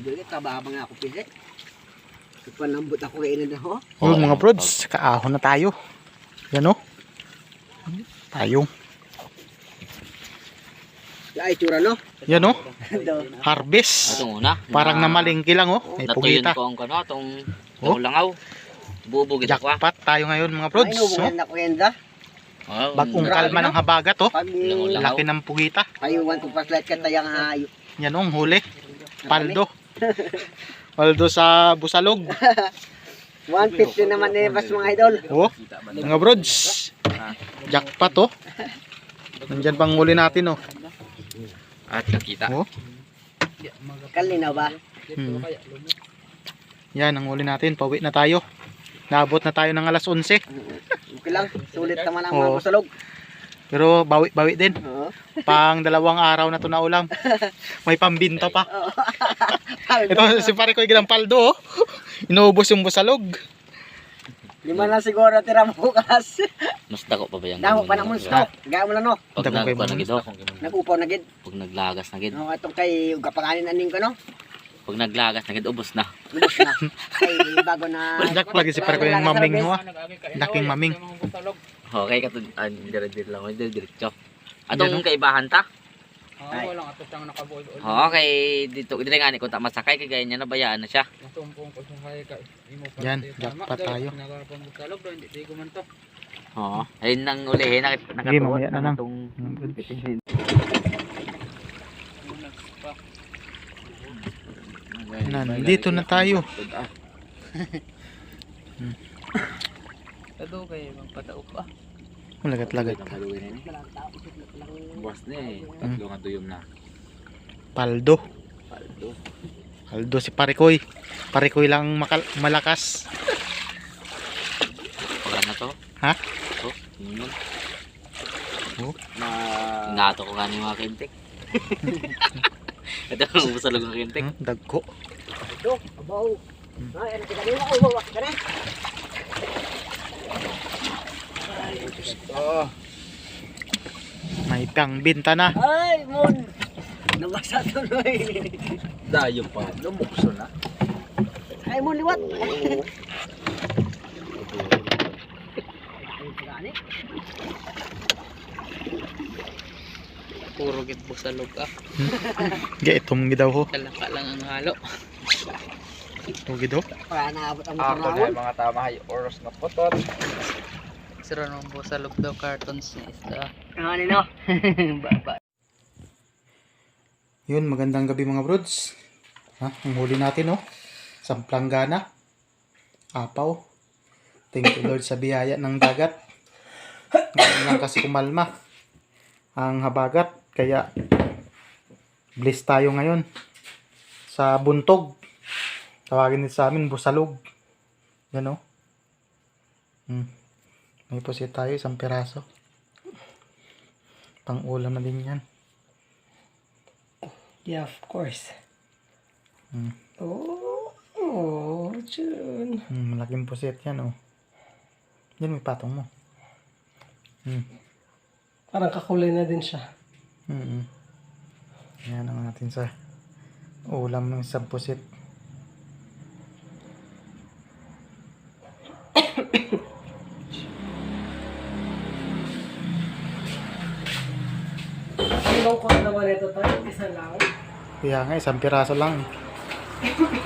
idol. Tababang ako pili. Panambot ako kayo na ho. Oh, mga brods, kaahon na tayo. Yan o. Tayong. Ay, tsura no? Yan o. Harvest. Ito muna. Parang namalingki lang o. May Natuyon pugita. ko ang kano, itong langaw. Bubugit ako. Jackpot tayo ngayon mga brods. Ay, nubuhan na ko yenda. Bagong kalma ng habagat o. Pag Laki ng pugita. ayuwan ko paslight ka tayang hayo. Yan o, ang huli. Paldo. Paldo sa busalog. 150 naman eh, bas mga idol. O, mga brods. Jackpot o. Nandyan pang huli natin o. At nakita. O. Kalinaw ba? Yan ang huli natin. Pauwi na tayo. Naabot na tayo ng alas 11. Okay lang, sulit naman ang Oo. mga busalog. Pero bawi din. Oo. Pang 2 araw na to na ulam. May pambinta pa. Ito si pare ko yung paldo oh. Inuubos yung busalog. Lima na siguro tira mo bukas. Mas dako pa ba yan? Damo pa na monster. Gaya mo na no. Pag Dako kay nagpa na gido. Nagupaw na gid. Pag naglagas na gid. No, atong kay gapanganin aning ko no. Pag naglagas na gid, ubos na. Lubos na. Kay bago na. Jack lagi si pare ko yung maming ho. Laking maming. Okay, katong dire-dire lang. Diretso. Atong kaibahan ta. Walang ato siyang nakabuo. Okay, dito dire nga ni kung ta masakay kay gaya niya nabayaan na siya. Masumpong ko sa kay ka. Yan, jackpot tayo. Nagarapang butalog do hindi tigo man to. Oo. Ayun nang ulihin Sige, mamaya na lang. Nandito na tayo. Kado kay magpataok pa. Malagat-lagat. Buwas na eh. Tatlo nga tuyom na. Paldo. Paldo si Parikoy. Parikoy lang malakas. Wala na to. Ha? Ito. Yun. Oh. Inato ko kanina mga kintik. Ito ang busalog ng kintik. Dagko. Do, abaw. Ay, ano kita ko bawa ka na. May pangbinta na. Ay, mon. Nabasa tuloy. Dayo pa. Lumukso na. Ay, mon liwat. Puro gid busalog ah. Ga itong gidaw ho. Kalaka lang ang halo. Ito gidaw. Para naabot ang Ako na panahon. mga tama hay oras na potot. Sira nung busalog daw cartons ni isda. Ano no? Baba. Yun, magandang gabi mga brods. Ha, ang huli natin oh. Samplanggana. Apaw. Thank you Lord sa biyaya ng dagat. Ngayon lang kasi kumalma ang habagat. Kaya bless tayo ngayon sa buntog. Tawagin nito sa amin busalog. Yan oh. May pusit tayo, isang piraso. Pang ulam na din yan. Yeah, of course. Hmm. Oh, Jun. Malaking pusit yan oh. Yan may patong mo. Parang kakulay na din siya. Yan ang natin sa ulam ng isang pusit. Ilang ko naman ito tayo, isa lang. Kaya nga isang piraso lang.